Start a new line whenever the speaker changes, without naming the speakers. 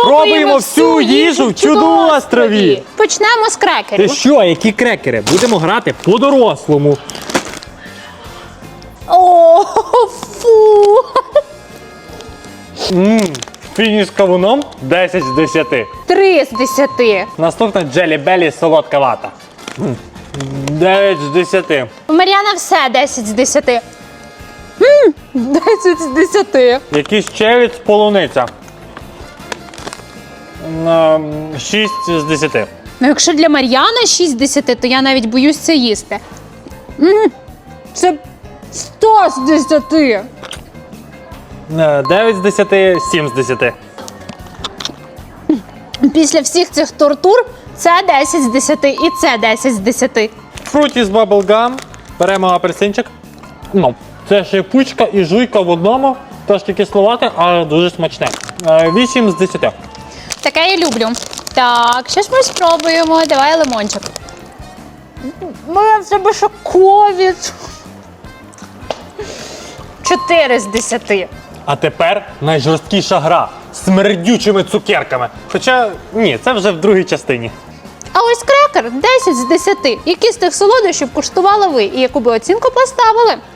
Пробуємо всю їжу в чудоострові.
Почнемо з
Ти
крекерів.
що, які крекери? Будемо грати по-дорослому.
О, фу!
Фініш з кавуном 10 з 10.
3 з 10.
Наступна Джелі Белі солодка вата. 9 з 10.
У Мар'яна все 10 з 10. 10 з 10.
Якийсь червіць полуниця. 6 з 10.
Ну, якщо для Мар'яна 6 з 10, то я навіть боюсь це їсти. Це 100 з 10.
9 з 10, 7 з 10.
Після всіх цих тортур це 10 з 10 і це 10 з 10.
Fruities Bubble Gum. Беремо апельсинчик. Ну, це шипучка і жуйка в одному. Трошки кисловате, але дуже смачне. 8 з 10.
Таке я люблю. Так, що ж ми спробуємо? Давай лимончик. Моя в себе ще ковід. 4 з 10.
А тепер найжорсткіша гра з смердючими цукерками. Хоча, ні, це вже в другій частині.
А ось крекер 10 з 10. Які з тих солодощів куштували ви і яку би оцінку поставили?